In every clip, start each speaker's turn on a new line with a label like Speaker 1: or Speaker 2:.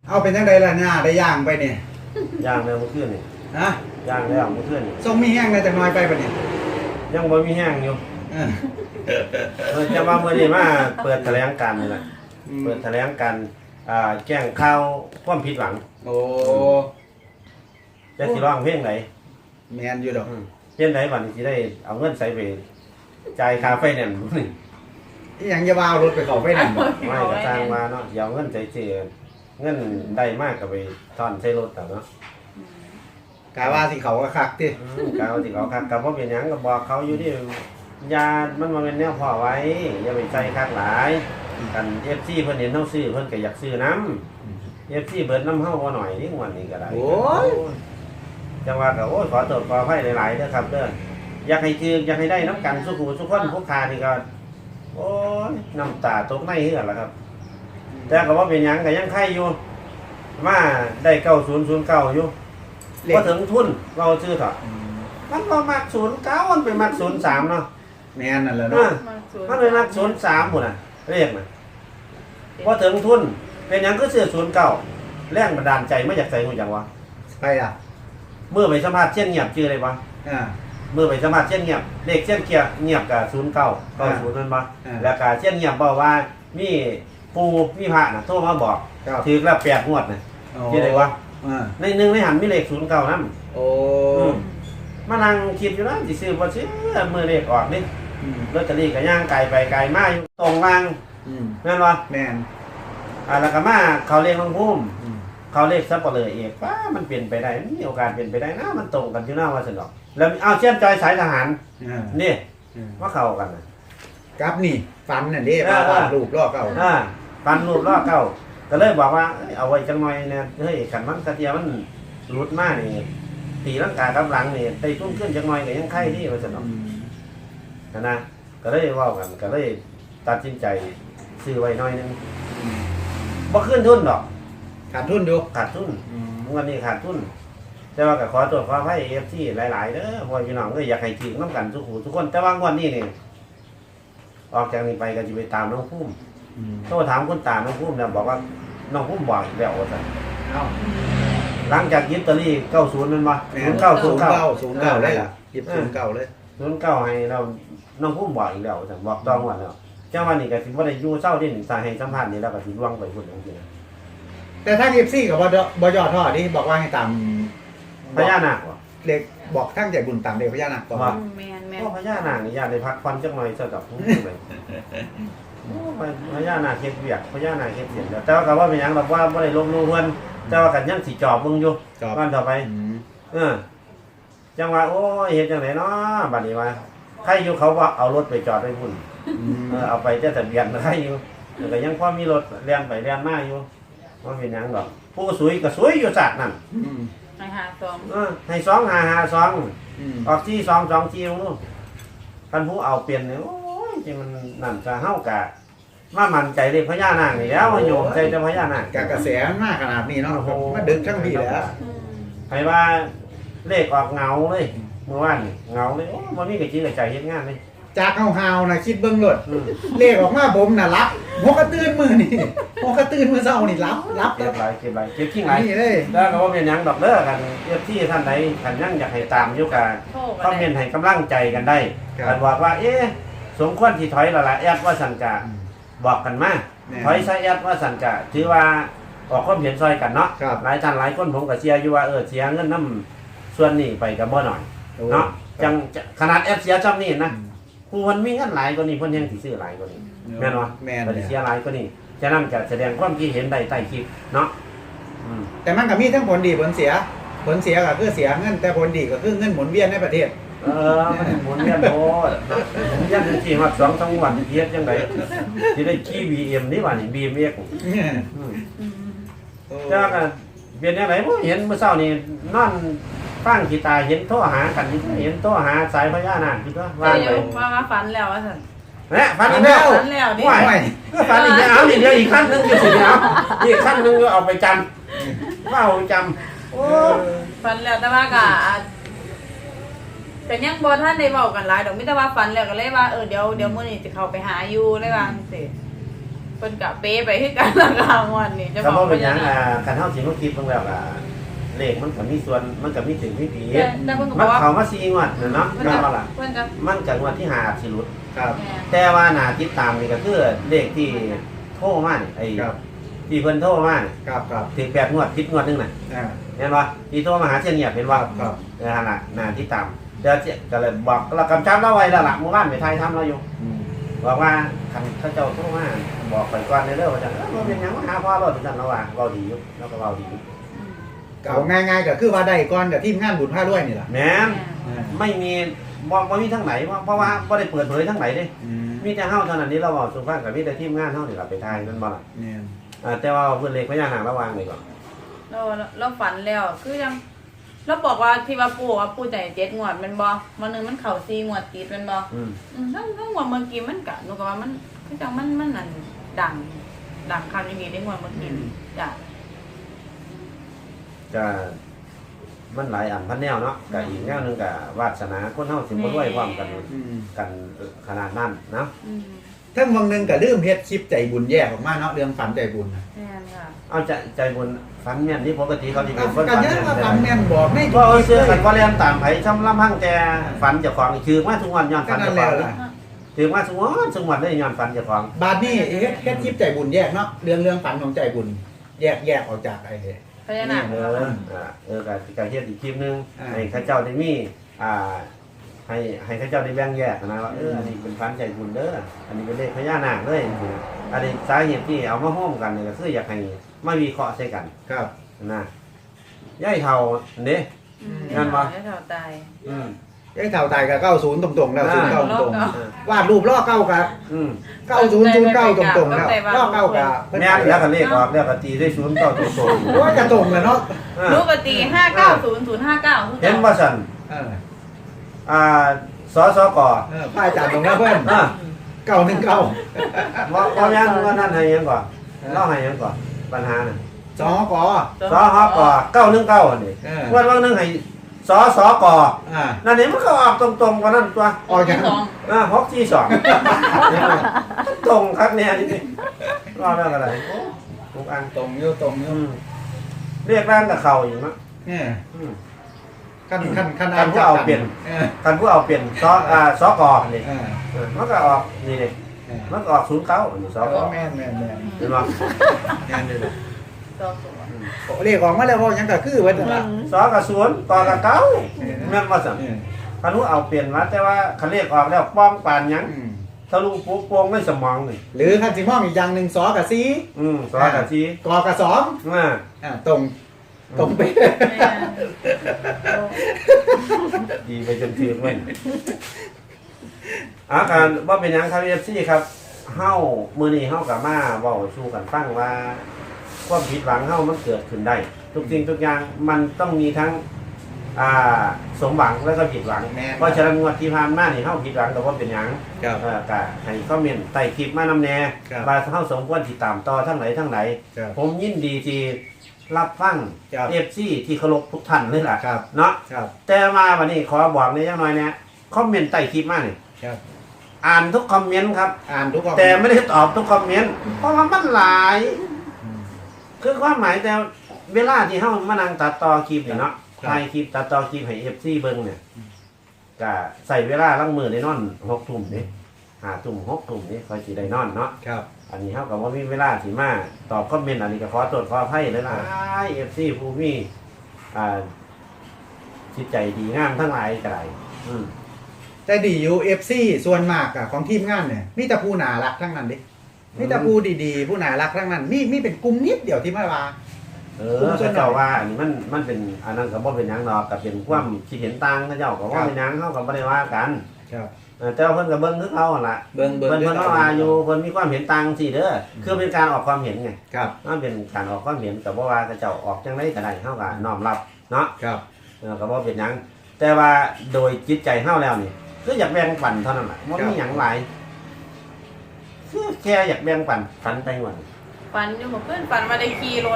Speaker 1: เอาเป็นจังไดล่ะเนี่ยได้ย่างไปเนี่ย
Speaker 2: ย่างแล้วเมื่อคืนนี่
Speaker 1: ฮะ
Speaker 2: ย่างแล้วเมื่อคืนนี่
Speaker 1: ทรงมีแห้งได้จักหน่อยไปปะเนี่ย
Speaker 2: ยังบ่มีแห้งอยู่จะว่าเมื่อนี้มาเปิดแถลงการณ์นี่แหละเปิดแถลงการณ์แจ้งข่าวความผิดหวัง
Speaker 1: โอ้
Speaker 2: จะสิร้องเพลงไหน
Speaker 1: แม่นอยู่ดอก
Speaker 2: เพลงไหนบัดนี้สิได้เอาเงินใส่ไปจ่ายค่าไฟแนนซ์นี่
Speaker 1: อีหยังจะว่ารถไปเข้าไฟนั่นบ่
Speaker 2: ไม่ก็สร้างมาเนาะเอาเงินใส่เจือเงินได้มากก็ไปทอนใส่รถแต่เนาะ
Speaker 1: กะว่าสิเขาก็คักติ
Speaker 2: กะว่าสิเขาคักก็บ่เป็นหยังก็บอกเขาอยู่ที่ยามันบ่แม่นแนวพอไว้อย่าไปใส่คักหลายกัน FC เพิ่นเห็นเฮาซื้อเพิ่นก็อยากซื้อนำ FC เบิดนำเฮาบ่หน่อยนี่งวดนี้ก็ได้
Speaker 1: โอ้ย
Speaker 2: จังว่าก็โอ้ยขอโทษขออภัยหลายๆเด้อครับเด้ออยากให้ถืออยากให้ได้น้ำกันสุขุสุขคนผู้ค้านี่ก็โอ้ยน้ำตาตกในเฮือล่ะครับแต่ก็บ่เป็นหยังก็ยังไข่อยู่มาได้9009อยู่บ่ถึงทุนเราซื้อเถอะมันบ่มัก09มันไปมัก03เนาะ
Speaker 1: แม่นนั่นแหละเนาะ
Speaker 2: มันไปมัก03พุ่นน่ะเลขน่ะบ่ถึงทุนเป็นหยังคือซื้อ09แรงบันดาลใจมาจากไสฮู้จังวะ
Speaker 1: ไปอ่ะ
Speaker 2: เมื่อไปสัมภาษณ์เช่นเงียบชื่ออะไรบ่เมื่อไปสัมภาษณ์เช่นเงียบเลขเช่นเงียบกับ0990นั่นบ่แล้วก็เช่นเงียบบอกว่ามีปู่มีพระน่ะโทรมาบอกถือแล้ว8งวดน่ะชื่ออะไรวะในนึงในหันมีเลข09นำ
Speaker 1: โอ้
Speaker 2: มานั่งคิดอยู่นะสิซื้อบ่ซื้อมื้อเลขออกนี่ลอตเตอรี่ก็ย่างไกลไปไกลมาอยู่ตรงล่างแม่นบ่
Speaker 1: แม่น
Speaker 2: แล้วก็มาเขาเลขน้องภูมิเขาเลขซับเปลือเอกป้ามันเปลี่ยนไปได้มีโอกาสเปลี่ยนไปได้นะมันตรงกันอยู่หน้าว่าสนอกแล้วเอาเชื่อมใจสายทหารนี่ว่าเข้ากันนะ
Speaker 1: กับนี่ฟันน่ะเด้ว่ารูปล้อเก่า
Speaker 2: ฟันรูปล้อเก่าก็เลยบอกว่าเอาไว้จังหน่อยเนี่ยเฮ้ยขันมันกระเทียมันหลุดมากนี่ตีร่างกายกำลังนี่ไปทุ่มขึ้นจังหน่อยก็ยังไข่ที่ว่าสนอกนะก็เลยว่ากันก็เลยตัดสินใจซื้อไว้หน่อยนึงบ่ขึ้นทุนดอก
Speaker 1: ขาดทุนดู
Speaker 2: ขาดทุนวันนี้ขาดทุนแต่ว่าก็ขอตรวจความให้FCหลายๆเด้อพ่อพี่น้องก็อยากให้ถึงน้ำกันทุกคนแต่ว่างวดนี้นี่ออกจากนี้ไปก็จะไปตามน้องพุ่มโทรถามคุณตาน้องพุ่มเนี่ยบอกว่าน้องพุ่มบอกอีกแล้วว่าซั่นหลังจากยึดตอรี่90นั่นบ่
Speaker 1: 09เลยล่ะ09เลย
Speaker 2: 09ให้เราน้องพุ่มบอกอีกแล้วว่าซั่นบอกต้องว่าแล้วจังวันนี้ก็สิบ่ได้อยู่เช้าที่1สาให้สัมภาษณ์นี่แล้วก็สิล่วงไปพุ่นจังซี่นะ
Speaker 1: แต่ถ้าFCก็บ่ยอดท่อนี่บอกว่าให้ตาม
Speaker 2: พญานาค
Speaker 1: เล็กบอกทั้งใจบุญตามเด็กพญานาค
Speaker 2: ก็แม่นพญานาคนี่ญาติได้พักผ่อนจักหน่อยซะดอกเลยพญานาคเฮ็ดเวียกพญานาคเฮ็ดเสียงแต่ว่าก็ว่าเป็นหยังแบบว่าบ่ได้ลงรู้เพิ่นแต่ว่ากันยังสิจอบมึงอยู่วันต่อไปจังว่าโอ้ยเฮ็ดจังได๋เนาะบัดนี้ว่าใครอยู่เขาว่าเอารถไปจอดไว้พุ่นเอาไปแต่ทะเบียนใครอยู่ก็ยังพอมีรถเลียนไปเลียนมาอยู่บ่เป็นหยังดอกผู้สวยก็สวยอยู่ซะนั่น
Speaker 3: ให้52
Speaker 2: ให้2 ออกที่2 2นู่นคันผู้เอาเปลี่ยนเนี่ยโอ้ยจริงมันนั่นจะเฮากะมามั่นใจเลขพญานาคนี่แล้วโยมใจจะพญานาค
Speaker 1: กระแสมากขนาดนี้เนาะมาดึกทั้งปีแล้ว
Speaker 2: ให้ว่าเลขออกเงาเลยเมื่อวานเงาเลยโอ้บ่มีกระจิกกระใจเฮ็ดงานเลย
Speaker 1: จากเฮาๆน่ะคิดเบิ่งโลดเลขออกมาผมน่ะรับหัวกระตื้นมื้อนี่หัวกระตื้นมื้อเช้านี่รับ
Speaker 2: เก็บหลายเก็บขี้หลายแล้วก็บ่เป็นหยังดอกเด้อกันที่ท่านใดท่านยังอยากให้ตามอยู่กันคอมเมนต์ให้กำลังใจกันได้กันบอกว่าสมควรที่ถอยแล้วล่ะแอดว่าสันกะบอกกันมาถอยใช้แอดว่าสันกะถือว่าออกความเห็นซอยกันเนาะหลายท่านหลายคนผมก็เชียร์อยู่ว่าเสียเงินน้ำส่วนนี้ไปก็บ่หน่อยเนาะจังขนาดแอดเสียจำนี่นะผู้คนมีเงินหลายกว่านี้เพิ่นยังสิซื้อหลายกว่านี้แม่นบ่
Speaker 1: แม่น
Speaker 2: เสียหลายกว่านี้ฉะนั้นก็แสดงความคิดเห็นได้ใต้คลิปเนาะ
Speaker 1: แต่มันก็มีทั้งผลดีผลเสียก็คือเสียเงินแต่ผลดีก็คือเงินหมุนเวียนในประเทศ
Speaker 2: มันหมุนเวียนโอ้หมุนเวียนจริงๆว่า2 วันเฮ็ดจังได๋สิได้ขี่ BM นี่ว่านี่ BMX จ้าก็เป็นจังได๋บ่เห็นเมื่อเช้านี่นอนฟังกีตาร์เห็นโทรหากันเห็นโทรหาสายพญานาคที่ก็
Speaker 3: ว่าไปว่าฝันแล้วว่าซั่น
Speaker 2: ฝันแล้ว
Speaker 3: นี่
Speaker 2: ฝันอีกแล้วนี่เดี๋ยวอีกขั้นนึงอยู่สิเอาอีกขั้นนึงก็เอาไปจำว่าเอาจำโอ้
Speaker 3: ฝันแล้วแต่ว่าก็แต่ยังบ่ทันได้เว้ากันหลายดอกมีแต่ว่าฝันแล้วก็เลยว่าเดี๋ยวมื้อนี้สิเข้าไปหาอยู่เลยว่าจังซี่พิ่นกะเป๊ไปคือกันละกลางวันนี่จะ
Speaker 2: ก็
Speaker 3: บ
Speaker 2: บ่
Speaker 3: อก
Speaker 2: เป็นหยังคันเฮาสิมาคิดเบิ่งแล้วก็เลขมันก็มีส่วนมันก็มีถึงมีผิด
Speaker 3: แต่เพิ่นก็บ
Speaker 2: มั
Speaker 3: อน กว่า
Speaker 2: เข้ามา4งวดเนาะ
Speaker 3: เพิ่น
Speaker 2: แม่น
Speaker 3: ก็
Speaker 2: บ่ล่ะ
Speaker 3: เพิ่นก็
Speaker 2: มันก็งวดที่5อาจสิหลุด
Speaker 1: ครับ
Speaker 3: แม่
Speaker 2: แต่ว่าน่าติดตามนี่ก็คือเลขที่โทรมานี่ไอ้
Speaker 1: ครับ
Speaker 2: ที่เพิ่นโทรมานี่
Speaker 1: ครับครับ
Speaker 2: ถึง8งวดผิดงวดหนึงน่ะ
Speaker 1: อ่า
Speaker 2: เห็นบ่ที่โทรมาหาเชียงเงียบเห็นบ่
Speaker 1: ครับ
Speaker 2: นั่นน่ะน่าติดตามเดี๋ยวก็เลยบอกเรากำชับเราไว้แล้วล่ะเมื่อวานไปถ่ายทำเราอยู่
Speaker 1: อืม
Speaker 2: บอกว่าคันเขาเจ้าโทรมาบอกข่อยก่อนเด้อว่าจังบ่เป็นหยังมาหาพ่อเราจังเราว่าเว้าดีอยู่เราก็เว้าดีอยู่
Speaker 1: ก็เอาง่ายๆก็คือว่าได้ก่อนกับทีมงานบุญผ้าด้วยนี่ล่ะ
Speaker 2: แม่น
Speaker 1: อ่า
Speaker 2: ไม่มีบ่มีทั้งไหนเพราะว่าบ่ได้เปิดเผยทั้งไหนเด้
Speaker 1: อืม
Speaker 2: มีแต่เฮาเท่านั้นนี่เราเว้าสู่ฟังกับมีแต่ทีมงานเฮานี่ล่ะไปถ่ายนั่นบ่ล่ะ
Speaker 1: เนี่ย
Speaker 2: แต่ว่าเพิ่นเลขพญานาคระวังนี่ก่อน
Speaker 3: เราฝันแล้วคือยังเราบอกว่าที่ว่าปู่ใจ7งวดแม่นบ่มื้อนึงมันเข้า4งวดติดแม่นบ่
Speaker 2: อืม
Speaker 3: ทั้งงวดเมื่อกี้มันก็หนูก็ว่ามันคือจังมันนั่นดังคันอย่างนี้ได้งวดเมื่อกี้จ้ะ
Speaker 2: ก็มันหลายอันพันแนวเนาะก็อีกแนวหนึงก็วาสนาคนเฮาสิบ่รวยพร้อมกัน
Speaker 1: อืม
Speaker 2: กันขนาดนั้นเนาะ
Speaker 3: อืม
Speaker 1: ทั้งวังหนึงก็ลืมเฮ็ดคลิปใจบุญแยกออกมาเนาะเรื่องฝันใจบุญน่ะ
Speaker 3: แม่นค่ะ
Speaker 2: เอาใจบุญฝันแม่นนี่ปกติเขาสิเป็นคน
Speaker 1: กันยังว่าฝันแม่นบอกไม่
Speaker 2: ก็เอาเสื้อกันว่าเรียนตามไผช่ำลำพังแต่ฝันเจ้าของคือมาทุกวันย้อน
Speaker 1: ก็
Speaker 2: ฝัน
Speaker 1: นั่
Speaker 2: เจ้าน ข
Speaker 1: แล้
Speaker 2: อ
Speaker 1: ว
Speaker 2: ง
Speaker 1: ล่ะ
Speaker 2: คือมาทุกวันได้ย้อนฝันเจ้าของ
Speaker 1: บาดนี้เฮ็ดคลิปใจบุญแยกเนาะเรื่องฝันของใจบุญแยกออกจากไอ้
Speaker 3: พญานาค
Speaker 2: การเฮ็ดอีกคลิปนึง
Speaker 1: อ่า
Speaker 2: ให้ข้าเจ้าได้มีให้ข้าเจ้าได้แบ่งแยกนะว่าอันนี้เป็นฝันใจบุญเด้ออันนี้เป็นเลขพญานาคเด้ออันนี้สาเหตุที่เอามาร่วมกันนี่ก็คืออยากให้มาวิเคราะห์ใส่กัน
Speaker 1: ครับ
Speaker 2: นะย่ายเท่าเด้ งั้นวะ
Speaker 3: ให้เราตาย
Speaker 2: อืม
Speaker 1: ไอ้เท่าตายกับ90ตรงๆแล้ว
Speaker 2: อ่า
Speaker 1: 09ตรง
Speaker 3: อ่า
Speaker 1: ๆวาดรูปล้อเก้ากับ
Speaker 2: อืม
Speaker 1: 9009ตรงๆแล้วล้อเก้ากับ
Speaker 2: แม่นแล้วก็เลขออกแล้วก็ตีได้ศูนย์เก้าตรง
Speaker 1: โอ้ยจะตรงเลยเนาะ
Speaker 3: ลูกกตี590059
Speaker 2: เห็นว่าสัน
Speaker 1: เออ
Speaker 2: สสก
Speaker 1: พระอาจารย์ตรงนั้นเพิ่น
Speaker 2: อ่า
Speaker 1: 919
Speaker 2: ว่ายังว่านั่นให้ยังก่อนเล่าให้ยังก่อนปัญหาน่ะ
Speaker 1: สองก
Speaker 2: สฮก919อันนี้
Speaker 1: เออ
Speaker 2: วันนึงให้สสก
Speaker 1: อ่า
Speaker 2: นั่นนี่มันก็ออกตรงๆกว่านั้นตัว
Speaker 1: ออกจาก
Speaker 2: 642ตรงครับเนี่ยนี่รอแล้วอะไรทุกอัน
Speaker 1: ตรงอยู่ตรงอยู่
Speaker 2: เรียกร่างกับเขาอยู่มั้ง
Speaker 1: เนี่ยขั้น
Speaker 2: คันผู้เอาเปลี่ยน
Speaker 1: เออ
Speaker 2: คันผู้เอาเปลี่ยนสกนี่
Speaker 1: เออ
Speaker 2: มันก็ออกนี่เลยมันก็ออก09นี่สก
Speaker 1: แม่น
Speaker 2: เห็นบ่
Speaker 1: แม่นเลย
Speaker 3: ตัว
Speaker 1: เรียกออกมาแล้วเพราะยังก็คือว่า
Speaker 2: สกับ0กกับ9แม่นบ่ซั่นคันผู้เอาเปลี่ยนมาแต่ว่าคันเรียกออกแล้วป้องปานหยังทะลุปุ๊บโป่งในสมองนี่
Speaker 1: หรือคันสิมองอีกอย่างหนึ่งสอกับซี
Speaker 2: สกับ4
Speaker 1: กอกับสองตรงไป
Speaker 2: ดีไปจนถึงเว้ยการว่าเป็นหยังครับ FC ครับเฮามื้อนี้เฮาก็มาเว้าสู่กันฟังว่าความผิดหวังเฮามันเกิดขึ้นได้ ทุกสิ่งทุกอย่างมันต้องมีทั้งสมหวังแล้วก็ผิดหวังเพราะฉะนั้นงวดที่ผ่านมานี่เฮาผิดหวังแต่ว่าเป็นหยังก็ให้คอมเมนต์ใต้คลิปมานำแน่ว่าเฮาสมควรติดตามต่อทั้งไหนผมยินดีที่รับฟัง FC ที่เคารพทุกท่านเลยล่ะเนาะแต่มาวันนี้ขอบอกในจังหน่อยเนี่ยคอมเมนต์ใต้คลิปมานี่อ่านทุกคอมเมนต์ครับ
Speaker 1: อ่านทุก
Speaker 2: แต่ไม่ได้ตอบทุกคอมเมนต์เพราะว่ามันหลายคือความหมายแต่เวลาที่เฮามานั่งตัดต่อคลิปนี่เนาะถ่ายคลิปตัดต่อคลิปให้ FC เบิ่งเนี่ยก็ใส่เวลาลังมือได้นอน6 ทุ่มนี่5 ทุ่ม6 ทุ่มนี่ค่อยสิได้นอนเนาะ
Speaker 1: ครับ
Speaker 2: อันนี้เฮาก็บ่มีเวลาสิมาตอบคอมเมนต์อันนี้ก็ขอโทษขออภัยเลยนะ FC ผู้มีจิตใจดีงามทั้งหลายก็ได้
Speaker 1: แต่ดีอยู่ FC ส่วนมากอะของทีมงานเนี่ยมีแต่ผู้น่ารักทั้งนั้นดิมีแต่ผู้ดีๆผู้น่ารักทั้งนั้นมีเป็นกลุ่มนิดเดียวที่มาว่า
Speaker 2: เจ้าว่าอันนี้มันเป็นอันนั้นก็บ่เป็นหยังดอกก็เป็นความคิดเห็นต่างเขาเจ้าก็ว่าเป็นหยังเฮาก็บ่ได้ว่ากัน
Speaker 1: ครับ
Speaker 2: แต่ว่าเพิ่นก็เบิ่งคือเขาหั่นล่ะ
Speaker 1: เบิ่ง
Speaker 2: เพิ่นก็ว่าอยู่เพิ่นมีความเห็นต่างสิเด้อคือเป็นการออกความเห็นไง
Speaker 1: ครับ
Speaker 2: มันเป็นการออกความเห็นก็บ่ว่าเขาเจ้าออกจังได๋ก็ได้เฮาก็น้อมรับเนาะ
Speaker 1: ครับ
Speaker 2: ก็บ่เป็นหยังแต่ว่าโดยจิตใจเฮาแล้วนี่คืออยากแบ่งปันเท่านั้นล่ะบ่มีหยังหลายคือแค่อยากแบ่งปันฝันไปวัน
Speaker 3: ฝันอยู่เพื่อนฝันมาได้ขี่รถ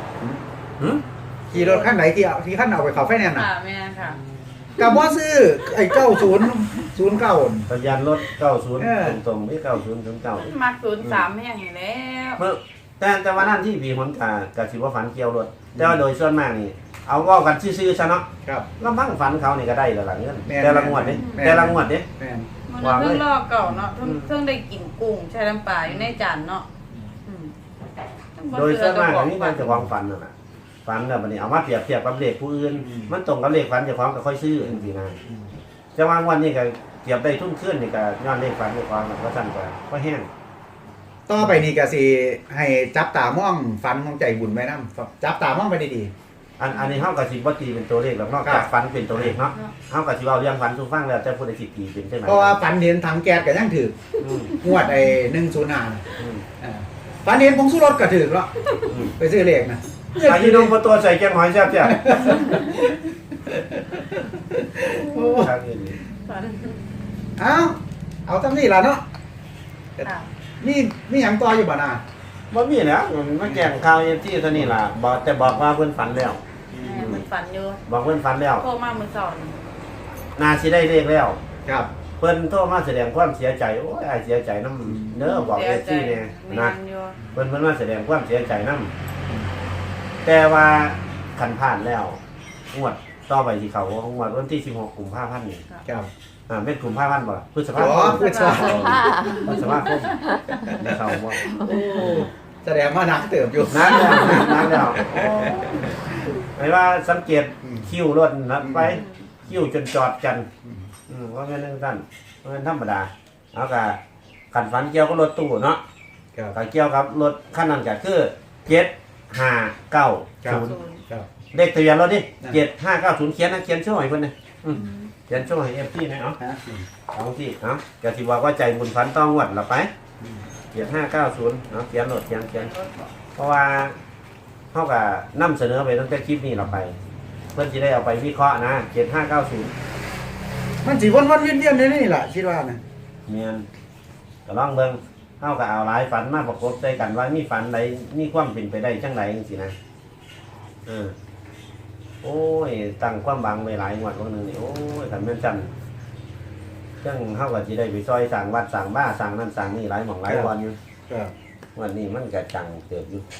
Speaker 1: ขี่รถขั้นไหนที่ขั้นเอาไปเขาไฟแนนซ์น่ะ
Speaker 3: ค่ะแม่ค่ะ
Speaker 1: กับว่าซื้อไอ้90 09
Speaker 2: ทะเบียนรถ90ตรงๆนี่9009
Speaker 3: มัก03แห้งนี่แล้ว
Speaker 2: เมื่อแต่ว่านั่นที่บีหนกะสิว่าฝันเกี่ยวรถแต่ว่าโดยส่วนมากนี่เอาเว้ากันซื่อๆซะเนาะ
Speaker 1: ครับ
Speaker 2: ลำพังฝันเขานี่ก็ได้แล้วล่ะเงิน
Speaker 1: แม่น
Speaker 2: แต่ละงวดเด้
Speaker 1: แม่น
Speaker 2: แต่ละงวดเด้
Speaker 1: แม่น
Speaker 3: มันเพิ่งลอกเก่าเนาะเพิ่งได้กินกุ้งใช้น้ำปลาอยู่ในจานเนาะอืม
Speaker 2: โดยส่วนมากนี่มันจะวางฝันนั่นน่ะฝันแล้วบัดนี้เอามาเปรียบเทียบกับเลขผู้อื่นมันตรงกับเลขฝันเจ้าของก็ค่อยซื้อจังซี่นะจะวางวันนี้ก็เทียบได้ทุนขึ้นนี่ก็ย้อนเลขฝันเจ้าของก็สั่นก็แห้ง
Speaker 1: ต่อไปนี่ก็สิให้จับตามองฝันของใจบุญไว้นำจับตามองไปดี
Speaker 2: อันนี้เฮาก็สิบ่ตีเป็นตัวเลขหรอกนอกจากฝันเป็นตัวเลขเนาะเฮาก็สิเว้าเรื่องฝันสู่ฟังแล้วแต่ผู้ใดสิตีเป็นใช่ไหม
Speaker 1: ๆเพราะว่าฝันเห็นถังแก๊สก็ยังถือ
Speaker 2: อืม
Speaker 1: งวดไอ้105น่ะ
Speaker 2: อืม
Speaker 1: ฝันเห็นผงชูรสก็ถือแล้ว
Speaker 2: อืม
Speaker 1: ไปซื้อเลขนะ
Speaker 2: อายุน้องบ่ตัวใส่แกงหอยแซ่บจ้ะ
Speaker 1: โอ้
Speaker 2: ครับนี่
Speaker 1: เอาตามนี้ล่ะเนาะ
Speaker 3: ค่ะ
Speaker 1: มีหยังต่ออยู่บ่น่ะ
Speaker 2: บ่มีแล้วมันแจ้งข่าวที่เท่านี้ล่ะบอกว่าเพิ่นฝันแล้ว
Speaker 3: มันฝันอยู่
Speaker 2: บอกเพิ่นฝันแล้ว
Speaker 3: โทรมามื้อเช้านี่
Speaker 2: น่าสิได้เลขแล้ว
Speaker 1: ครับ
Speaker 2: เพิ่นโทรมาแสดงความเสียใจโอ้ยอ้ายเสียใจนำเด้อบอก FC แน่
Speaker 3: แม่
Speaker 2: นะ
Speaker 3: นอยู่
Speaker 2: เพิ่นมาแสดงความเสียใจนำแต่ว่าคันผ่านแล้วงวดต่อไปสิเขางวดวันที่16กุมภาพันธ์นี่
Speaker 1: ครับ
Speaker 2: เป็นกุมภาพันธ์บ่พฤษภา
Speaker 1: อ๋
Speaker 2: ค
Speaker 1: อ
Speaker 2: ม
Speaker 1: พฤษภาคม
Speaker 2: พฤษภาคมนี่เขาบ่
Speaker 1: โอ้แสดงว่านักเติบอยู่
Speaker 2: นานแล้วหมายว่าสังเกตคิวรถนะไปคิวจนจอดกันว่าแม่นจังซั่นว่าแม่นธรรมดาเอากะคันฝันเกี่ยวกับรถตู้เนาะ
Speaker 1: ครับ
Speaker 2: ก็เกี่ยวกับรถคันนั้นก็คือ759
Speaker 1: ครับ
Speaker 2: 0
Speaker 1: ครับ
Speaker 2: เลขทะเบียนรถนี่
Speaker 1: นั่น
Speaker 2: 7590เขียนนะเขียนช่วยเพิ่นนะเขียนช่วยให้ FT นะเอา
Speaker 1: ฮะ
Speaker 2: เอาที่เอาก็สิบอกว่าใจบุญฝันต้องงวดละไป7590เอาเขียนรถเขียนเพราะว่าเฮาก็นำเสนอไปตั้งแต่คลิปนี้เราไป เพิ่นสิได้เอาไปวิเคราะห์นะ7590
Speaker 1: มันสิวนๆเวียนๆในนี่ล่ะคิดว่านะ
Speaker 2: เมียนก็ลองเบิ่งเฮาก็เอาหลายฝันมาประกบใส่กันว่ามีฝันใดมีความเป็นไปได้จังไดจังซี่นะโอ้ยตั้งความหวังไว้หลายงวดวันนึงนี่โอ้ยคันแม่นจันจังเฮาก็สิได้ไปซอยสร้างวัดสร้างบ้านสร้างนั่นสร้างนี่หลายหม่องหลายวันอยู่
Speaker 1: ครับ
Speaker 2: วันนี้มันก็จังเติบอยู่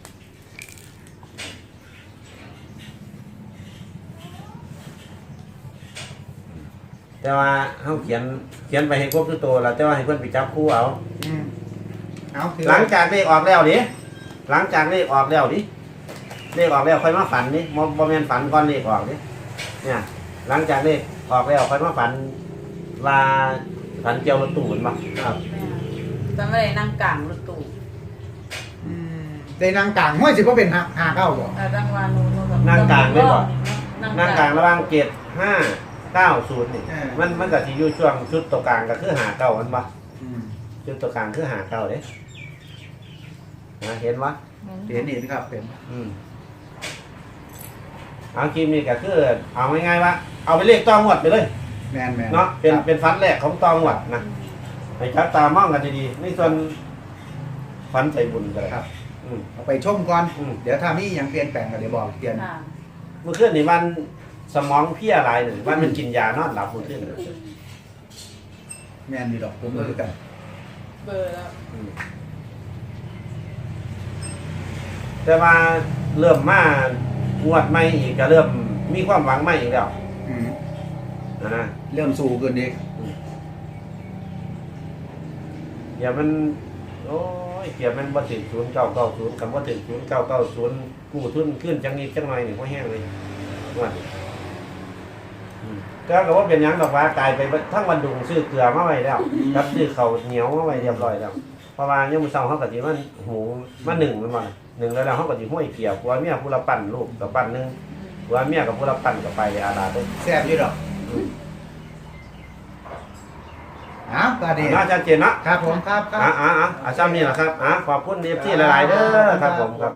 Speaker 2: แต่ว่าเฮาเขียนไปให้ครบทุกตัวแล้วแต่ว่าให้เพิ่นไปจับคู่เอา
Speaker 1: อืมเอาคือ
Speaker 2: หลังจากเลขออกแล้วดิหลังจากเลขออกแล้วดิเลขออกแล้วค่อยมาฝันนี่บ่แม่นฝันก่อนเลขออกดิเนี่ย หลังจากเลขออกแล้วค่อยมาฝันว่าฝันเกี่ยวรถตู้บ่
Speaker 1: ครับ
Speaker 3: แม่จำไม่ได้นั่งกลางรถตู้
Speaker 1: อืมได้นางกลางห้วยสิบ่เป็นหาเก้าบ่
Speaker 3: จังหวะนู้นแบบ
Speaker 2: นั่งกลางเลยบ่
Speaker 3: นั่ง
Speaker 2: นั่ง
Speaker 3: ก
Speaker 2: ก
Speaker 3: ลา
Speaker 2: ลาง งระหว่างเกต590นี่มันก็สิอยู่ช่วงชุดตัวกลางก็คือ59มันบ่
Speaker 1: อืม
Speaker 2: จุดตัวกลางคือ59เด้นะเห็นบ่
Speaker 1: เห็นครับเป็น
Speaker 2: เอาคลิปนี้ก็คือเอาง่ายๆว่าเอาไปเลขต้องงวดไปเลย
Speaker 1: แม่นๆ
Speaker 2: เนาะเป็น
Speaker 1: ครับ
Speaker 2: เป็นฟันแรกของตองหวัดนะให้จับตามองกันดีๆในส่วนฟันใจบุญกัน
Speaker 1: ครับ
Speaker 2: อืม
Speaker 1: เอาไปชมก่อน
Speaker 2: อืม
Speaker 1: เดี๋ยวถ้ามีหยังเปลี่ยนแปลงก็เดี๋ยวบอกเปลี่ยน
Speaker 3: ค่ะ
Speaker 2: เมื่อคืนนี่วันสมองเพลียหลายหนึ่งวันมันกินยานอนหลับเมื่อคืนน่ะ
Speaker 1: แม่นนี่ดอกผมก็คือกัน
Speaker 3: เบอร์แล้ว
Speaker 2: อืมแต่ว่าเริ่มมางวดใหม่อีกก็เริ่มมีความหวังใหม่อีกแล้ว
Speaker 1: อืม
Speaker 2: นะ
Speaker 1: เริ่มสู่ขึ้นอีก
Speaker 2: เดี๋ยวมันโอ้ยเดี๋ยวมันบ่ถึง0990คำว่าถึง0990กู้ทุนขึ้นจังนี้จังหน่อยนี่บ่แห้งเลยงวดนี้ก็ว่าเป็นหยังดอกว่ากลายไปทั้งวันดุงซื้อเกลือมาไว้แล้วกับซื้อข้าวเหนียวมาไว้เรียบร้อยแล้วเพราะว่าเนี่ยามมื้อเช้าเฮาก็สิมันหูมา1มันว่า1แล้วเฮาก็สิห้อยเกี่ยวผัวเมียผู้ละปั่นลูกกับปั่นนึงผัวเมียกับผู้ละปั่นก็ไปอาดาเด้อ
Speaker 1: แซ่บอยู่ดอกอ้าวก็ดี
Speaker 2: น่าชัดเจนเนาะ
Speaker 1: ครับผมครับครับ
Speaker 2: ซ้ำนี่แหละครับขอบคุณ FT หลายๆเด้อครับผมครับ